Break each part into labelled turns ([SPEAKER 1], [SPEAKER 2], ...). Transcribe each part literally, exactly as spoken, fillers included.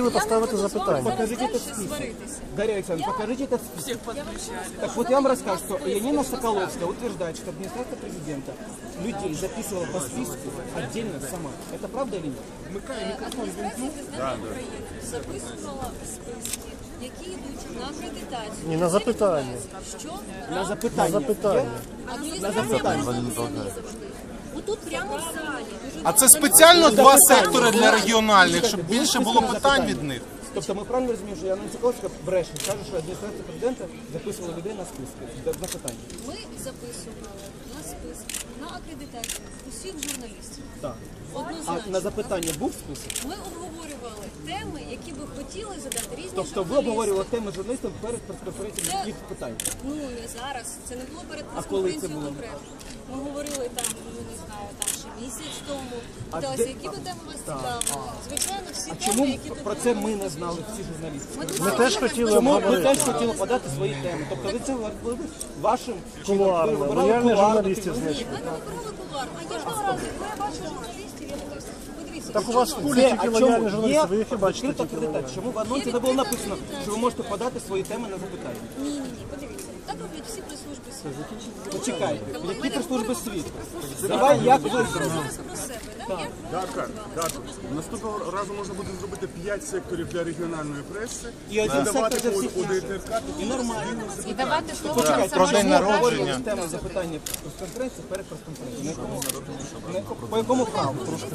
[SPEAKER 1] хотіли поставити запитання.
[SPEAKER 2] Покажите этот список. Дарья Александровна, покажите этот список. Так вот я вам расскажу, что Янина Соколовская утверждает, что администрация президента людей записывала по списку отдельно сама. Это правда или нет?
[SPEAKER 3] Адміністрація президента України записувала списки, які йдуть на акредитацію.
[SPEAKER 1] Ні, на запитання.
[SPEAKER 3] Що?
[SPEAKER 2] На запитання.
[SPEAKER 1] На запитання.
[SPEAKER 3] Адміністрація президента завжди. Отут прямо в залі. Дуже
[SPEAKER 4] А це спеціально два сектори для регіональних, щоб більше було питань від них?
[SPEAKER 2] Тобто ми правильно розуміємо, що Янина Соколовська бреше, каже, що адміністрація президента записувала людей на списки, на питання.
[SPEAKER 3] Ми записували на списки, на акредитацію усіх журналістів.
[SPEAKER 2] Так. А
[SPEAKER 3] Однозначно.
[SPEAKER 2] на запитання був список?
[SPEAKER 3] Ми обговорювали теми, які би хотіли задати різні
[SPEAKER 2] Тобто ви
[SPEAKER 3] журналісти.
[SPEAKER 2] обговорювали теми журналістів перед прес-конференцією
[SPEAKER 3] Це-
[SPEAKER 2] їх питань?
[SPEAKER 3] Ну, не зараз. Це не було перед
[SPEAKER 2] А коли це
[SPEAKER 3] прес-конференцією
[SPEAKER 2] було?
[SPEAKER 3] конкретно. Ми говорили там, ну не знаю, там ще місяць тому.
[SPEAKER 2] А
[SPEAKER 3] Питалися,
[SPEAKER 2] де-
[SPEAKER 3] які би теми вас цікавили. Звичайно, всі
[SPEAKER 2] А
[SPEAKER 3] теми,
[SPEAKER 2] чому
[SPEAKER 3] які тут
[SPEAKER 2] про це ми не знали, всі журналісти?
[SPEAKER 1] Ми теж хотіли
[SPEAKER 2] Чому ви
[SPEAKER 1] обговорити.
[SPEAKER 2] теж хотіли подати свої теми? Тобто ви це робили вашим
[SPEAKER 1] Кулуарно.
[SPEAKER 2] ви вибирали
[SPEAKER 1] Лояльних
[SPEAKER 2] кулуарно,
[SPEAKER 1] журналістів,
[SPEAKER 2] ти-
[SPEAKER 1] значить.
[SPEAKER 3] Ми не вибирали кулуарно. А кожного разу, коли я бачу журналістів, я дивлюся. Подивіться,
[SPEAKER 1] Так у вас в
[SPEAKER 3] якщо
[SPEAKER 1] пулі
[SPEAKER 2] Де,
[SPEAKER 1] тільки
[SPEAKER 2] а
[SPEAKER 1] лояльні
[SPEAKER 2] чому?
[SPEAKER 1] журналісти, ви
[SPEAKER 2] Є
[SPEAKER 1] їх і бачите
[SPEAKER 2] відкрита
[SPEAKER 1] тільки
[SPEAKER 2] акредитація.
[SPEAKER 1] лояльні.
[SPEAKER 2] Чому в анонсі не було написано, що ви можете подати свої теми на запитання?
[SPEAKER 3] Ні, ні, ні, подивіться. Так роблять всі прес-служби світу.
[SPEAKER 2] Почекайте,
[SPEAKER 3] Ми
[SPEAKER 2] які
[SPEAKER 3] не
[SPEAKER 2] прес-служби
[SPEAKER 3] говоримо
[SPEAKER 2] світу?
[SPEAKER 3] про прес-служби
[SPEAKER 2] Давай, як
[SPEAKER 3] світу.
[SPEAKER 2] ви
[SPEAKER 3] Ми говоримо зараз про себе, так? Як ви
[SPEAKER 5] Так, так. Наступного разу можна буде зробити п'ять секторів для регіональної преси
[SPEAKER 2] І один
[SPEAKER 5] давати
[SPEAKER 2] сектор для
[SPEAKER 5] у,
[SPEAKER 2] всіх
[SPEAKER 5] у ДТРК.
[SPEAKER 2] І нормально.
[SPEAKER 6] І давати слово
[SPEAKER 2] Почекайте,
[SPEAKER 4] Про день
[SPEAKER 2] чому
[SPEAKER 4] народження.
[SPEAKER 2] обговорювали тему запитання прес-конференції перед прес-конференцією? На якому- на якому- По якому праву?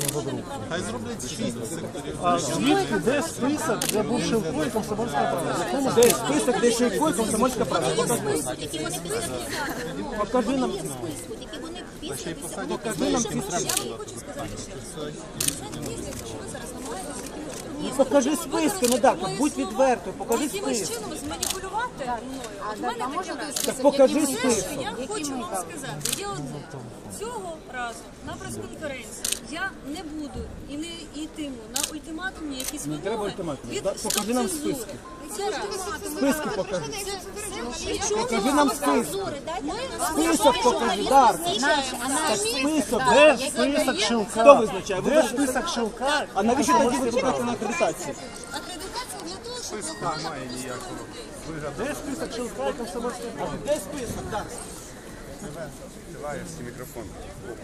[SPEAKER 4] Хай зроблять шість секторів.
[SPEAKER 1] А звідки, де список, де був Шилко і Комсомольська правда?
[SPEAKER 2] Де список, де Шийко і Комсомольська правда? Покажи.
[SPEAKER 3] які вони списки
[SPEAKER 2] Покажи нам.
[SPEAKER 3] списку, які вони підписи.
[SPEAKER 2] Покажи нам ці
[SPEAKER 3] Я вам хочу сказати ще раз. Мені здається, що ви зараз намагаєтеся якимось
[SPEAKER 2] Ну, покажи списки, ну так, будь відвертою, покажи
[SPEAKER 3] якимось
[SPEAKER 2] список.
[SPEAKER 3] чином зманіпулювати мною. От в мене таке враження.
[SPEAKER 2] Так покажи
[SPEAKER 3] Все,
[SPEAKER 2] список.
[SPEAKER 3] що я хочу вам сказати, є одне. Цього разу на прес-конференції я не буду і не йтиму на ультиматумні якісь вимоги.
[SPEAKER 2] треба ультиматумів,
[SPEAKER 3] від
[SPEAKER 2] да? Покажи нам
[SPEAKER 3] стоп-цензури.
[SPEAKER 2] списки.
[SPEAKER 3] Це раз.
[SPEAKER 2] Списки покажи.
[SPEAKER 3] Причому
[SPEAKER 2] Покажи нам списки.
[SPEAKER 3] ми
[SPEAKER 2] Список покажи, Дар. Так список.
[SPEAKER 1] Де список Шилка?
[SPEAKER 2] Хто визначає? Ви
[SPEAKER 1] Де
[SPEAKER 2] визначаєте?
[SPEAKER 1] список Шилка?
[SPEAKER 2] А навіщо тоді ви чекаєте на акредитацію?
[SPEAKER 3] акредитація для того, щоб
[SPEAKER 1] Де список Шилка і Комсомольська правда?
[SPEAKER 2] Де список, Дар?
[SPEAKER 5] Триває мікрофон.